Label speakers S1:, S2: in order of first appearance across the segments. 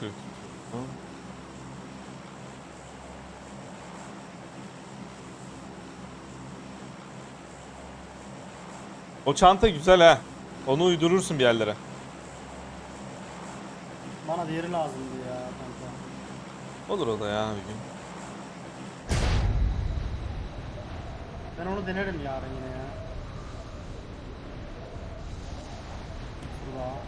S1: 40. Hı. O çanta güzel ha. Onu uydurursun bir yerlere.
S2: Bana diğeri lazımdı ya kanka.
S1: Olur o da ya bir gün.
S2: Ben onu denerim yarın yine ya. Şurada.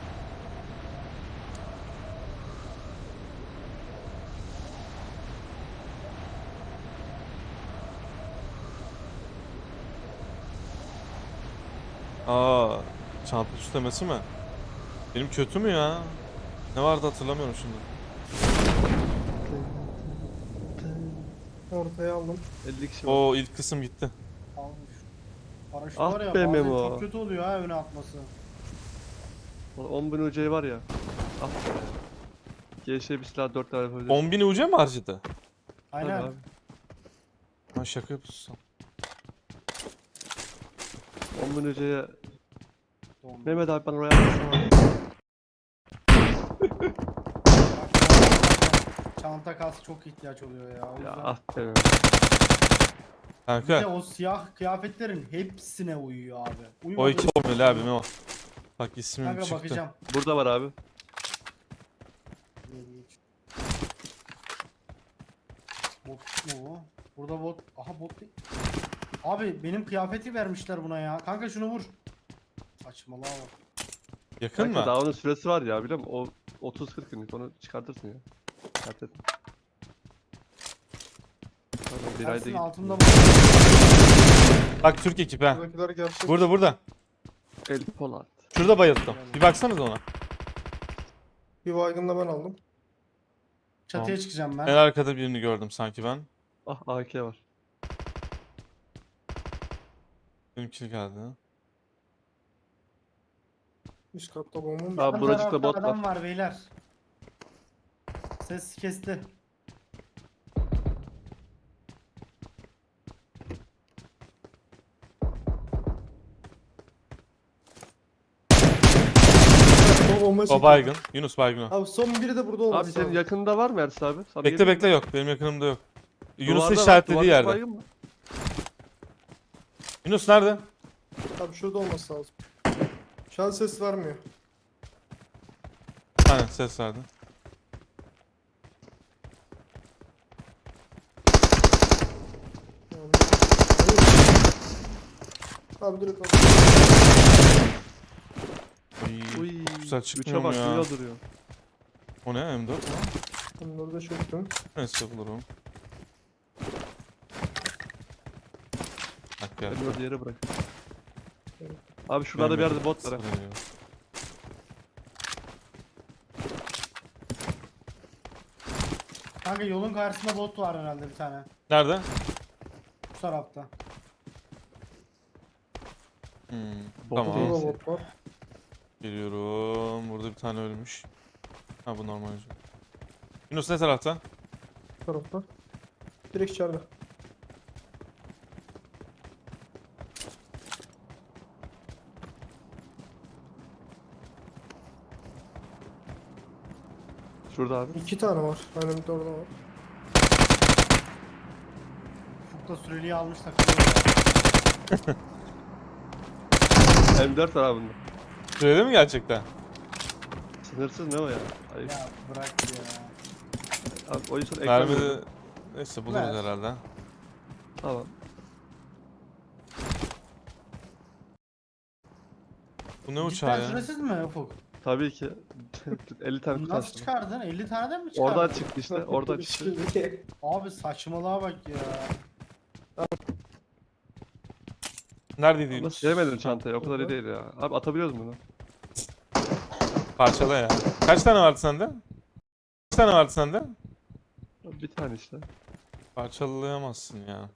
S1: Aa, çanta süslemesi mi? Benim kötü mü ya? Ne vardı hatırlamıyorum şimdi.
S3: Ortaya aldım.
S4: 50 kişi var.
S1: O ilk kısım gitti.
S2: Almış. Paraşüt
S4: Ah
S2: var ya
S4: be
S2: bazen
S4: Memo.
S2: çok kötü oluyor ha öne atması.
S4: 10.000 UC var ya. Ah be. GŞ bir silah 4 tane yapabilir.
S1: 10.000 UC mi harcadı?
S2: Aynen.
S4: Abi.
S1: Ha şaka yapıyorsun.
S4: 10.000 UC'ye
S2: Doğru.
S4: Mehmet abi bana oraya atsana.
S2: Çanta kas çok ihtiyaç oluyor ya. O
S4: Ya
S2: yüzden.
S4: ah be Mehmet.
S2: Bir de
S1: Kanka
S2: o siyah kıyafetlerin hepsine uyuyor abi.
S1: o
S2: Uyumadığı
S1: iki
S2: hiçbir
S1: olmuyor
S2: şey
S1: abi
S2: yok.
S1: Memo. Bak ismim
S2: Kanka
S1: çıktı.
S2: bakacağım.
S4: Burada var abi.
S2: Bot mu o? Burada bot. Aha bot değil. Abi benim kıyafeti vermişler buna ya. Kanka şunu vur. Saçmalama bak.
S1: Yakın
S4: Kanka
S1: mı?
S4: daha onun süresi var ya biliyor musun? O 30-40 günlük onu çıkartırsın ya. Dert etme. Pardon, bir ayda
S2: Ersin
S4: git.
S2: altında bot.
S1: Bak Türk ekip ha.
S3: Buradakiler gerçek.
S1: Burada.
S4: El Polat.
S1: Şurada bayıldım. Bir baksanız ona.
S3: Bir baygın da ben aldım.
S2: Çatıya
S1: Tamam.
S2: çıkacağım ben.
S1: En arkada birini gördüm sanki ben.
S4: Ah AK var.
S1: Benimki geldi.
S3: Üst katta bombam.
S4: Abi
S2: Ön
S4: buracıkta
S2: tarafta
S4: bot
S2: adam
S4: var.
S2: var beyler. Ses kesti.
S3: O bomba
S1: O
S3: çekiyor.
S1: baygın. Yunus baygın o.
S3: Abi son biri de burada olması
S4: Abi senin
S3: lazım.
S4: yakında var mı Ersin abi? Sana
S1: Bekle
S4: geleyim mi?
S1: bekle yok. Benim yakınımda yok. Yunus'un
S4: Duvarda var,
S1: işaretlediği
S4: duvardaki
S1: yerde.
S4: baygın mı?
S1: Yunus nerede?
S3: Abi şurada olması lazım. Şu an ses vermiyor.
S1: Aynen ses verdi.
S3: Yani... Hayır. Abi direkt al.
S1: Uy,
S4: Uy.
S1: çok güzel
S4: 3'e
S1: çıkmıyor mu
S4: bak
S1: ya?
S4: duruyor duruyor.
S1: O ne M4 mu?
S3: Bunları da çöktüm.
S1: Neyse bulurum. Bak gel.
S4: Ben orada yere bırak. Abi şuralarda bir yerde bot var ha.
S2: Kanka yolun karşısında bot var herhalde bir tane.
S1: Nerede?
S2: Bu tarafta.
S4: Bot
S1: Tamam.
S4: değil.
S3: Burada da bot var.
S1: Geliyorum. Burada bir tane ölmüş. Ha bu normal. Yunus ne tarafta?
S3: Bu tarafta. Direkt içeride.
S4: Şurada abi.
S3: 2 tane var. Aynen bir de orada var.
S2: Ufukta süreliği almış takılıyor.
S4: M4 var abi bunda.
S1: Süreli mi gerçekten?
S4: Sınırsız ne o ya? Ayıp.
S2: Ya bırak ya.
S4: Abi o yüzden ekran
S1: Mermi
S4: veriyor.
S1: de... Neyse buluruz
S2: Ver.
S1: herhalde.
S4: Tamam.
S1: Bu ne uçağı
S2: Cidden
S1: ya?
S2: süresiz mi Ufuk?
S4: Tabii ki. 50 tane
S2: Nasıl
S4: kutarsın.
S2: çıkardın? 50 taneden mi çıkardın?
S4: Oradan çıktı işte. Oradan çıktı.
S2: Abi saçmalığa bak ya.
S1: Neredeydi
S4: Ama
S1: Yunus?
S4: sevmedim çantayı. O kadar iyi değil ya. Abi atabiliyoruz bunu.
S1: Parçala ya. Kaç tane vardı sende? Kaç tane vardı sende?
S4: Bir tane işte.
S1: Parçalayamazsın ya.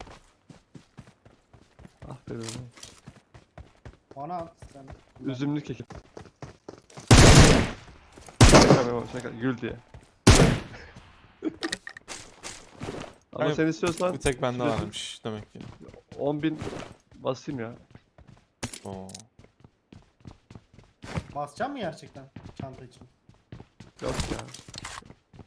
S4: Ah be benim.
S2: Bana at sen.
S4: Üzümlü keki. Şaka Memo, şaka. Gül diye. Ama
S1: Hayır,
S4: sen istiyorsan
S1: Bir tek bende
S4: süresi-
S1: varmış demek ki.
S4: 10.000 basayım ya.
S1: Oo.
S2: Basacağım mı gerçekten çanta için?
S4: Yok ya.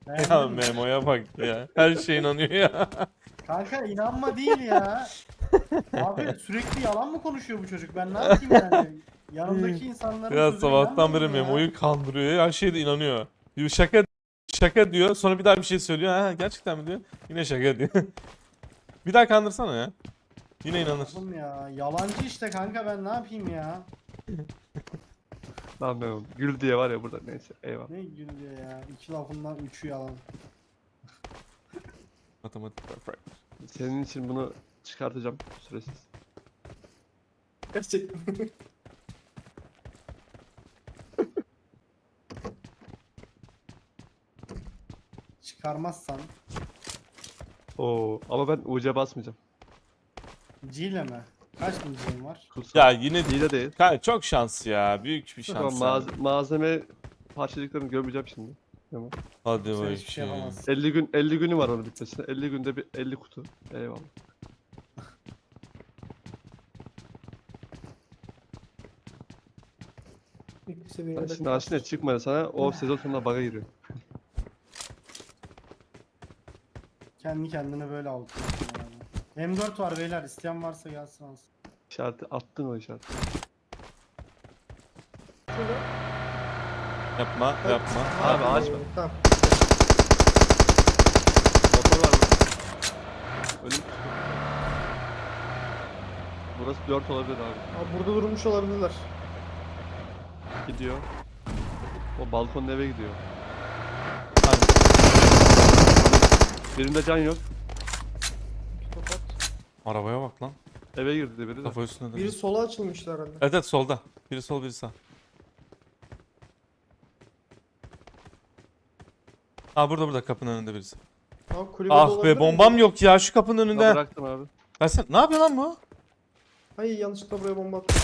S1: Ya
S2: Beğendin mi?
S1: Memo'ya bak ya. Her şeye inanıyor ya.
S2: Kanka inanma değil ya. Abi sürekli yalan mı konuşuyor bu çocuk? Ben ne yapayım yani? Yanımdaki insanların
S1: Ya
S2: sözüne
S1: sabahtan beri
S2: inanmayayım ya.
S1: Memo'yu kandırıyor ya. Her şeye de inanıyor. Diyor şaka diyor. Sonra bir daha bir şey söylüyor. Ha gerçekten mi diyor. Yine şaka diyor. Bir daha kandırsana ya. Yine inanır.
S2: Oğlum ya yalancı işte kanka ben ne yapayım ya?
S4: Lan ben gül diye var ya burada, neyse eyvallah.
S2: Ne gülüyor ya? İki lafından üçü yalan.
S1: Matematik perfect.
S4: Senin için bunu çıkartacağım süresiz.
S3: Gerçekten.
S2: Çıkarmazsan
S4: Oo ama ben UC basmayacağım.
S2: C ile mi? Kaç C'in var?
S4: Kutsal.
S1: Ya yine
S4: İyi de değil.
S1: Kanka çok şans ya. Büyük bir
S4: Tamam,
S1: şans. abi.
S4: malzeme parçacıklarını görmeyeceğim şimdi. Tamam.
S1: Hadi
S2: Sen hiçbir şey
S1: bakayım.
S2: yapamazsın.
S4: 50 günü var onun bitmesine. 50 günde bir 50 kutu. Eyvallah.
S3: İlk seviyede
S4: Ben şimdi aslında çıkmadı sana, o sezon sonunda bug'a giriyor.
S2: Kendi kendine böyle alıyorsun yani. M4 var beyler isteyen varsa gelsin alsın.
S4: İşareti attın, o işareti.
S1: Yapma yapma.
S4: Abi açma.
S3: Tamam.
S4: Motor var burada. Ölüm kutu. Burası 4 olabilir abi.
S3: Abi burada durmuş olabilirler.
S4: Gidiyor. O balkonun eve gidiyor.
S1: Hadi.
S4: Birinde can yok.
S3: İki tokat.
S1: Arabaya bak lan.
S4: Eve girdi biri de.
S1: Kafa üstünde de.
S3: Biri sola açılmıştı herhalde.
S1: Evet evet solda. Biri sol biri sağ. Ha burada kapının önünde birisi.
S3: Abi kulübede
S1: Ah
S3: olabilir
S1: be
S3: mi?
S1: bombam yok ya şu kapının
S4: Ben
S1: önünde.
S4: bıraktım abi.
S1: Versene. Ne yapıyor lan bu?
S3: Hayır yanlışlıkla buraya bomba attım.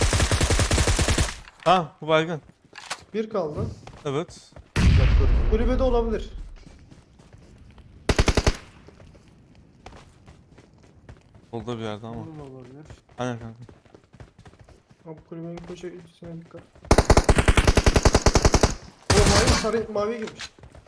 S1: Ha bu baygın.
S3: Bir kaldı.
S1: Evet.
S4: Yapıyorum.
S3: Kulübede olabilir.
S1: Solda bir yerde ama.
S2: Olur da olabilir.
S1: Aynen kanka.
S3: Abi kulübenin köşesine dikkat. O mavi sarı maviye girmiş.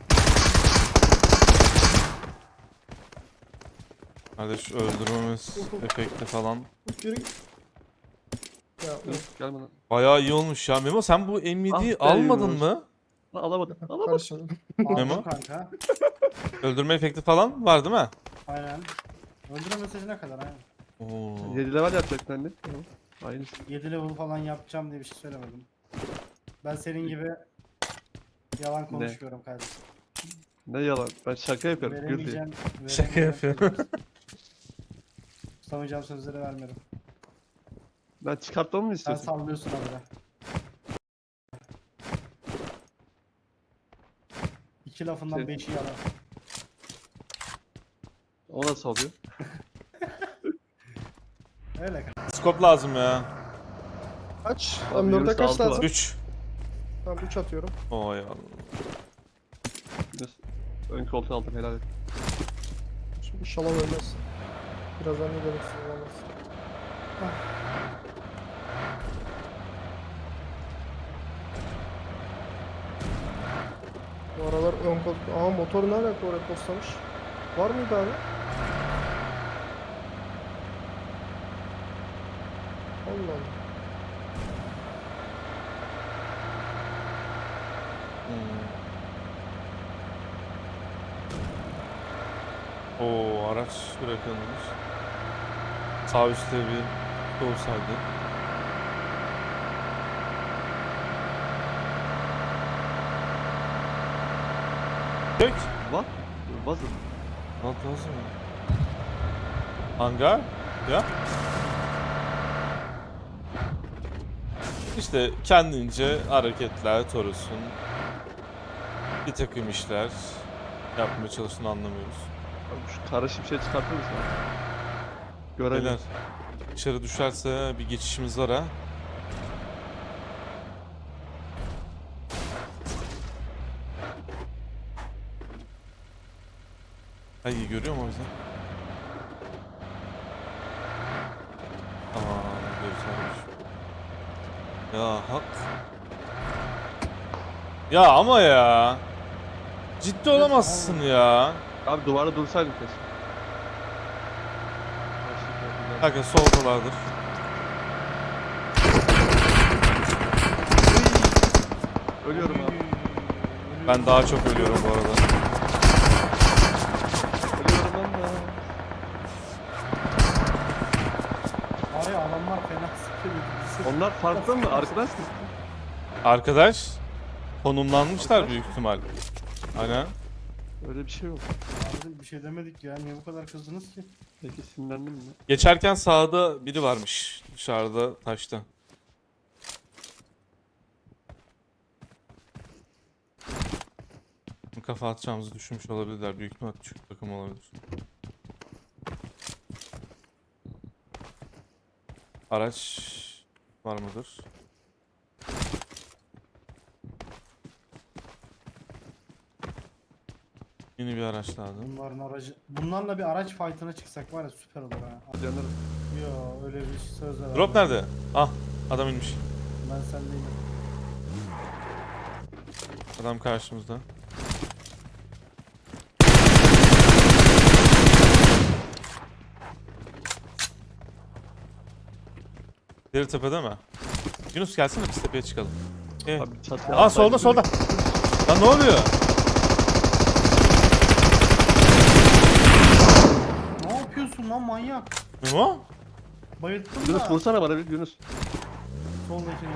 S1: Kardeş öldürmemiz efekti falan.
S3: Yürü. Ya
S4: Gelme lan.
S1: Bayağı iyi olmuş ya. Memo sen bu M7'yi
S4: Ah be
S1: almadın
S4: Yunus.
S1: mı?
S4: Lan alamadım. Alamadım.
S3: karışın.
S1: Memo?
S2: Aldım kanka.
S1: Öldürme efekti falan var değil mi?
S2: Aynen. Öldürme mesajına kadar aynen.
S1: Oo.
S4: 7 level yapacaktın anne. Tamam. Aynısı.
S2: 7 level falan yapacağım diye bir şey söylemedim. Ben senin gibi yalan konuşmuyorum kardeşim.
S4: Ne yalan. Ben şaka yapıyorum. Gül diye.
S2: Veremeyeceğim.
S1: Şaka
S2: veremeyeceğim
S1: yapıyorum.
S2: sözleri. Tutamayacağım sözleri vermiyorum.
S4: Ben çıkartmamı mı
S2: Sen
S4: istiyorsun?
S2: sallıyorsun abi. İki lafından
S4: Şey-
S2: beşi yalan.
S4: O nasıl oluyor?
S2: Öyle kanka.
S1: Skop lazım ya.
S3: Kaç?
S4: Abi
S3: M4'e
S4: Yunus
S3: kaç
S4: altı var.
S3: lazım?
S1: 3.
S3: Tamam 3 atıyorum.
S1: Oy Allah.
S4: Yunus, ön koltuğu aldım, helal et.
S3: Şimdi inşallah ölmez. Birazdan ne gereksin olamaz. Bu aralar ön kol... Aa motor ne alaka oraya postamış? Var mıydı abi? Allah Allah.
S1: Oo araç bırakılmış. Sağ üstte bir şey olsaydı. Peki.
S4: What? Wasn't.
S1: What lazım ya? Hangar? Ya. İşte kendince hareketler, Toros'un bir takım işler yapmaya çalıştığını anlamıyoruz.
S4: Abi şu karışık bir şey çıkartır mısın? Görelim.
S1: Beyler dışarı düşerse bir geçişimiz var ha. Ay görüyor mu o bizi? Aa görüyormuş. Ya hak. Ya ama ya. Ciddi olamazsın ya.
S4: Abi duvarda dursaydın kesin.
S1: Kanka soldalardır.
S4: Ölüyorum abi.
S1: Ben daha çok ölüyorum bu arada.
S4: Ölüyorum ben de.
S2: Var ya adamlar fena sıkıyor.
S4: Onlar farklı mı? Arkadaş mı?
S1: Arkadaş konumlanmışlar büyük ihtimal. Aynen.
S4: Öyle bir şey yok.
S2: Abi bir şey demedik ya. Niye bu kadar kızdınız ki?
S4: Peki sinirlendim mi?
S1: Geçerken sağda biri varmış. Dışarıda taşta. Kafa atacağımızı düşünmüş olabilirler. Büyük ihtimal küçük takım olabilir. Araç var mıdır? Yeni bir araç lazım.
S2: Bunların aracı... Bunlarla bir araç fight'ına çıksak var ya süper olur ha.
S4: Yanarım.
S2: Yo öyle bir söz ver.
S1: Drop nerede? Ah, adam inmiş.
S2: Ben sendeyim.
S1: Adam karşımızda. Deri tepede mi? Yunus gelsene biz tepeye çıkalım.
S4: Abi çatıya
S1: Aa solda solda. Lan ne oluyor?
S2: Ne yapıyorsun lan manyak?
S1: Memo?
S2: Bayılttın
S4: Yunus
S2: da.
S4: vursana bana bir Yunus.
S2: Soldakini.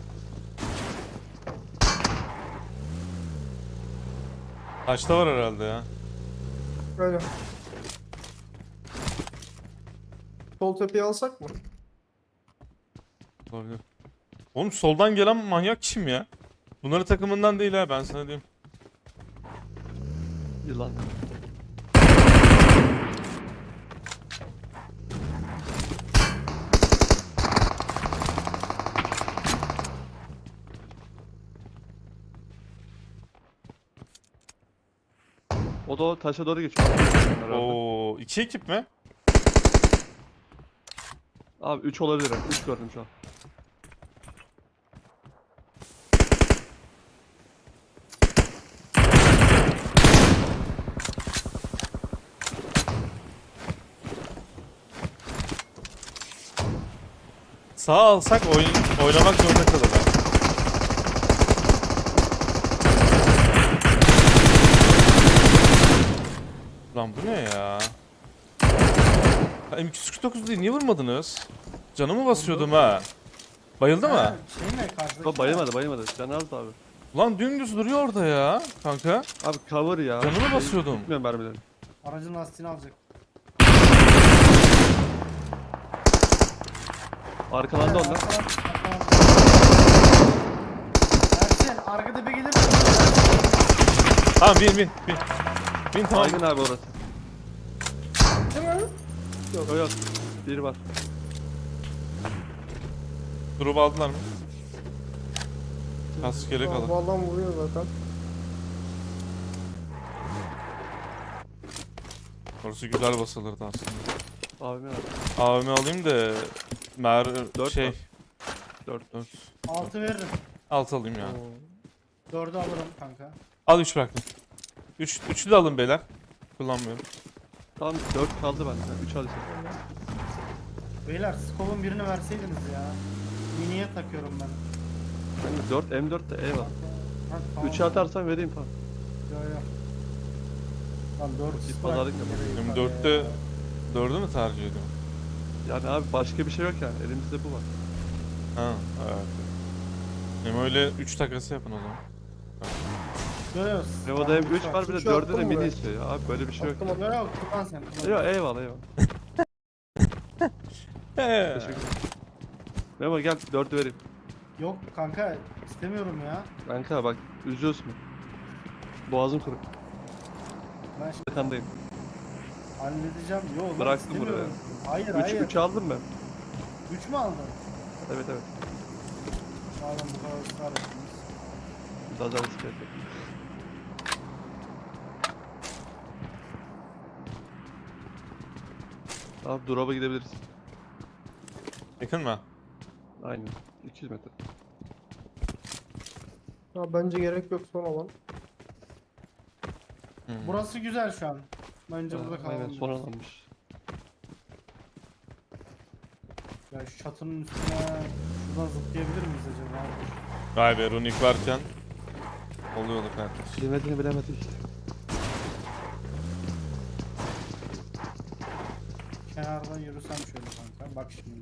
S1: Taşta var herhalde ya.
S3: Öyle. Sol tepeyi alsak mı?
S1: Olabilir. Oğlum soldan gelen manyak kim ya? Bunların takımından değil ha ben sana diyeyim.
S4: Yılan. O da o taşa doğru geçiyor. Herhalde.
S1: Oo, iki ekip mi?
S4: Abi 3 olabilir. 3 gördüm şu an.
S1: Sağ alsak oynamak zorunda kalırlar. Lan bu ne ya? M249 değil niye vurmadınız? Canımı basıyordum ha. Bayıldı mı?
S2: Şey mi karşıdaki?
S4: Bak bayılmadı. Can azdı abi.
S1: Lan dümdüz duruyor orada ya kanka.
S4: Abi cover ya.
S1: Canını basıyordum.
S4: Gitmiyorum mermilerini.
S2: Aracın lastiğini alacak.
S4: Arkalandı onlar.
S2: Ersin arka tepe gelir misin?
S1: Tamam bin. Bin tamam.
S4: Baygın abi orası.
S3: Değil mi?
S4: Yok yok. Biri var.
S1: Drop aldılar mı? Kaskele
S3: Tamam,
S1: kalın.
S3: bu adam vuruyor zaten.
S1: Orası güzel basılırdı aslında.
S4: Abime abi.
S1: AVM alayım da
S4: Dört
S1: şey
S4: var. 4.
S2: 6 veririm.
S1: 6 alayım ya.
S2: 4'ü alırım kanka.
S1: Al 3 bıraktım. 3'ü de alın beyler. Kullanmıyorum.
S4: Tamam 4 kaldı bende. 3 alacağım.
S2: Beyler scope'un birini verseydiniz ya. Miniye takıyorum ben.
S4: Hani 4 M4 de eyvallah.
S2: Ha, tamam.
S4: 3'e atarsan vereyim falan.
S2: Yo yo. Lan 4
S4: Bir pazarlık yapalım.
S1: 24'te 4'ü mü tercih ediyorum?
S4: Yani abi başka bir şey yok yani. Elimizde bu var.
S1: Ha evet. Hem öyle 3 takası yapın o zaman.
S2: Yo yo.
S4: Nevo'da hem 3 var bir de
S3: Üçü
S4: 4'ü de
S3: attım
S4: mini
S3: buraya.
S4: istiyor ya. Abi böyle bir şey yok.
S3: Attım,
S2: Yo yo kullan sen kullan.
S4: Yok eyvallah. Teşekkür ederim. Memo gel 4'ü vereyim.
S2: Yok kanka istemiyorum ya.
S4: Kanka bak üzüyorsun. Boğazım kırık.
S2: Ben şimdi
S4: Yakandayım.
S2: halledeceğim. Yo lan
S4: Bıraktım
S2: istemiyorum. Hayır
S4: 3
S2: hayır.
S4: 3 aldım ben.
S2: 3 mü aldın?
S4: Evet.
S2: Madem bu kadar ısrar ettiniz.
S4: Daha da risk ettim. Abi drop'a gidebiliriz.
S1: Yakın mı?
S4: Aynen. 200 metre.
S3: Ya bence gerek yok son alan.
S2: Burası güzel şu an. Bence burada kalalım.
S4: Aynen son alanmış.
S2: Ya şu çatının üstüne şuradan zıplayabilir miyiz acaba?
S1: Vay be runik varken oluyordu kardeş.
S4: Bilemediğini bilemedik.
S2: Kenardan yürüsem şöyle kanka. Bak şimdi.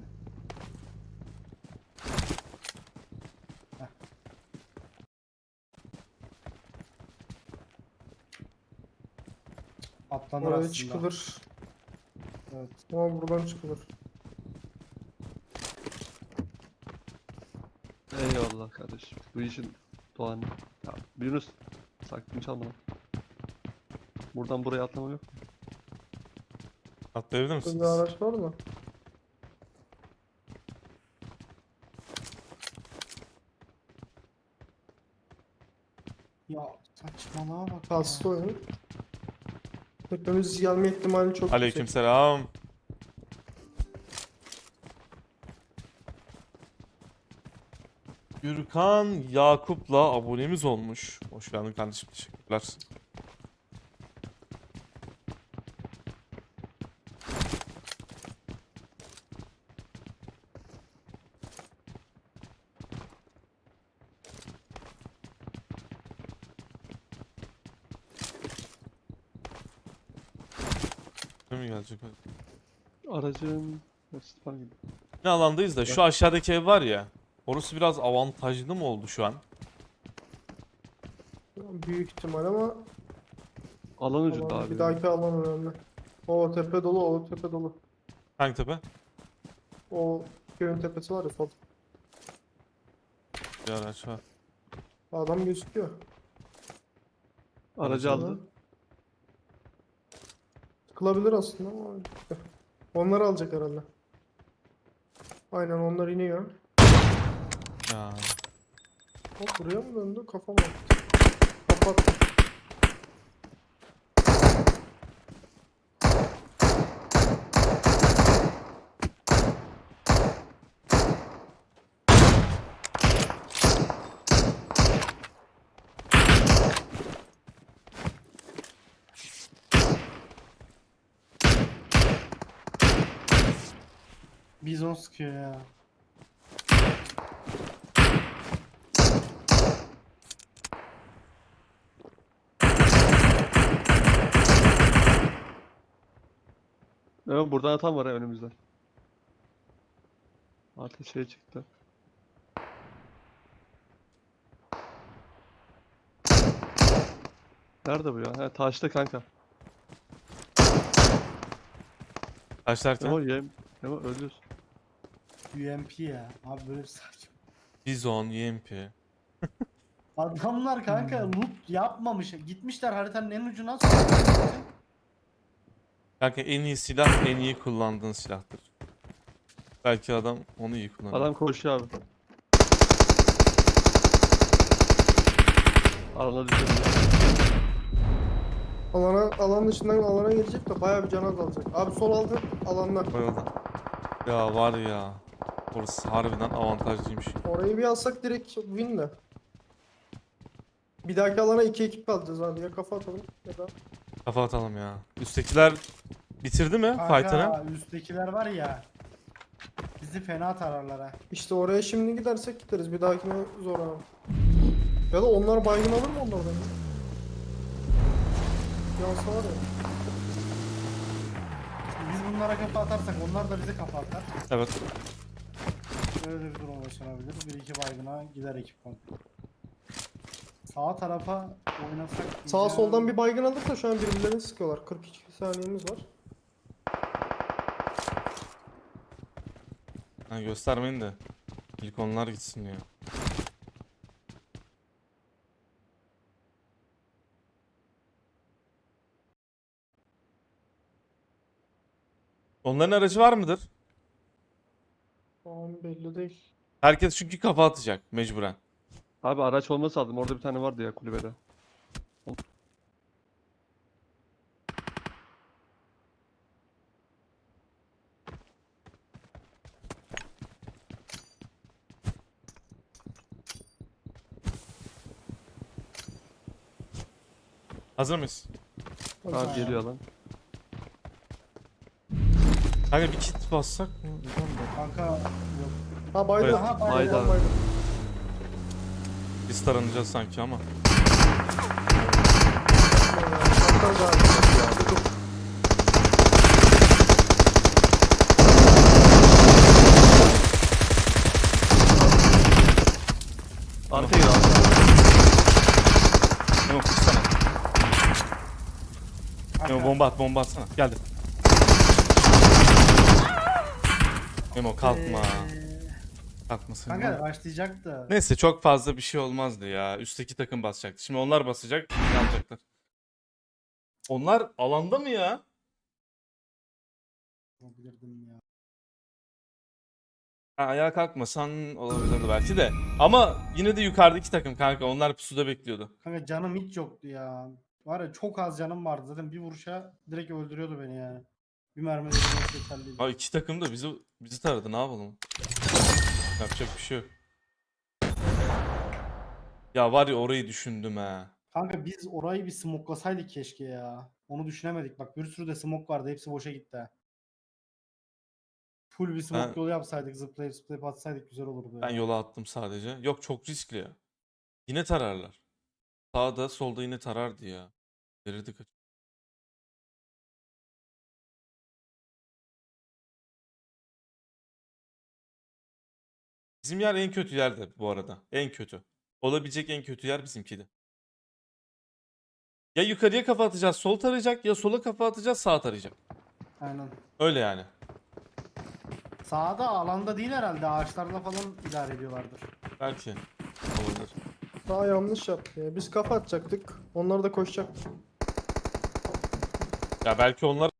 S2: Heh. Atlanır
S3: Oraya
S2: aslında.
S3: çıkılır.
S2: Evet.
S3: Ama buradan çıkılır.
S4: Eyvallah kardeşim. Bu işin doğanı. Ya Yunus sakin çalma lan. Buradan buraya atlama yok.
S1: Atlayabilir
S3: Burada bir
S1: misiniz?
S3: araç var mı?
S2: Ya saçmalığa bak
S3: Kastı
S2: ya.
S3: oyun. Hepimiz gelme ihtimali çok yüksek.
S1: Aleykümselam. Gürkan Yakup'la abonemiz olmuş. Hoş geldin kardeşim. Teşekkürler. Ne mi gelecek?
S4: Aracın... Spam gibi.
S1: Ne alandayız da şu aşağıdaki ev var ya. Orası biraz avantajlı mı oldu şu an?
S3: Büyük ihtimal ama
S4: Alan ucunda
S3: alan-
S4: abi.
S3: bir dahaki alan önemli. O tepe dolu, o tepe dolu.
S1: Hangi tepe?
S3: O köyün tepesi var ya sol.
S1: Bir araç var.
S3: Adam gözüküyor.
S4: Aracı aldı.
S3: Tıkılabilir aslında ama onları alacak herhalde. Aynen onlar iniyor.
S1: Ya.
S3: O buraya mı döndü? Kafam attı. Kapattı.
S2: Bizon sıkıyor ya.
S4: Evet buradan atan var ya önümüzde. Artık şey çıktı. Nerede bu ya? He taşta kanka.
S1: Taşlarken
S4: Memo yem. Memo ölüyorsun.
S2: UMP ya. Abi böyle bir saçma.
S1: Bizon, YMP.
S2: Adamlar kanka loot yapmamış. Gitmişler haritanın en ucuna.
S1: Kanka en iyi silah en iyi kullandığın silahtır. Belki adam onu iyi kullanıyor.
S4: Adam koşuyor abi. Alana düşürdü.
S3: Alan dışından alana gelecek de bayağı bir can azalacak. Abi sol altı alanlar.
S1: Bayıldı. Ya var ya. Orası harbiden avantajlıymış.
S3: Orayı bir alsak direkt win de. Bir dahaki alana 2 ekip kalacağız abi. Ya kafa atalım ya da
S1: Kafa atalım ya. Üsttekiler bitirdi mi fight'ını?
S2: Kanka üsttekiler var ya. Bizi fena tararlar ha.
S3: işte oraya şimdi gidersek gideriz. Bir dahakine zor abi. Ya da onlar baygın alır mı onlardan ya? Yansa var ya.
S2: Biz bunlara kafa atarsak onlar da bize kafa atar.
S1: Evet.
S2: Böyle bir durum yaşanabilir. Bir iki baygına gider ekip komple. Sağ tarafa oynasak...
S3: Sağ
S2: diyeceğim.
S3: soldan bir baygın alırsa şu an birbirlerini sıkıyorlar. 42 saniyemiz var.
S1: Ha, göstermeyin de. İlk onlar gitsin ya. Onların aracı var mıdır?
S3: Şu an belli değil.
S1: Herkes çünkü kafa atacak mecburen.
S4: Abi araç olması lazım. Orada bir tane vardı ya kulübede.
S1: Hazır mıyız?
S4: Abi geliyor lan.
S1: Kanka bir kit bassak mı? Bilmiyorum da.
S2: Kanka yok.
S3: Ha baydı.
S1: Evet.
S3: Ha
S4: Baydı
S3: baydı.
S4: abi.
S3: Baydı.
S1: Biz taranacağız sanki ama.
S3: Şaptal galiba.
S4: Arkaya gir abi.
S1: Memo kursana. Memo
S2: Kanka,
S1: bomba atsana. Geldi. Memo kalkma. Kalkmasın.
S2: Kanka başlayacak da.
S1: Neyse çok fazla bir şey olmazdı ya. Üstteki takım basacaktı. Şimdi onlar basacak, alacaklar. Onlar alanda mı ya?
S2: Bilirdim ya.
S1: Ha, ayağa kalkmasan olabilirdi belki de. Ama yine de yukarıdaki takım kanka. Onlar pusuda bekliyordu.
S2: Kanka canım hiç yoktu ya. Var ya çok az canım vardı. Zaten bir vuruşa direkt öldürüyordu beni yani. Bir mermi de öldürmesi yeterliydi.
S1: Ha iki takım da bizi taradı. Ne yapalım? Yapacak bir şey yok. Ya var ya orayı düşündüm ha.
S2: Kanka biz orayı bir smoklasaydık keşke ya. Onu düşünemedik. Bak bir sürü de smoke vardı. Hepsi boşa gitti. Ha. Full bir smoke
S1: Ben-
S2: yolu yapsaydık. Zıplayıp atsaydık güzel olurdu
S1: Ben
S2: ya.
S1: yola attım sadece. Yok çok riskli ya. Yine tararlar. Sağda solda yine tarardı ya. Verirdik açık. Bizim yer en kötü yerde bu arada. En kötü. Olabilecek en kötü yer bizimkiydi. Ya yukarıya kafa atacağız, sol tarayacak ya sola kafa atacağız, sağ tarayacak.
S2: Aynen.
S1: Öyle yani.
S2: Sağda alanda değil herhalde. Ağaçlarla falan idare ediyorlardır.
S1: Belki. Olabilir.
S3: Daha yanlış yaptı ya. Biz kafa atacaktık. Onlar da koşacaktı.
S1: Ya belki onlar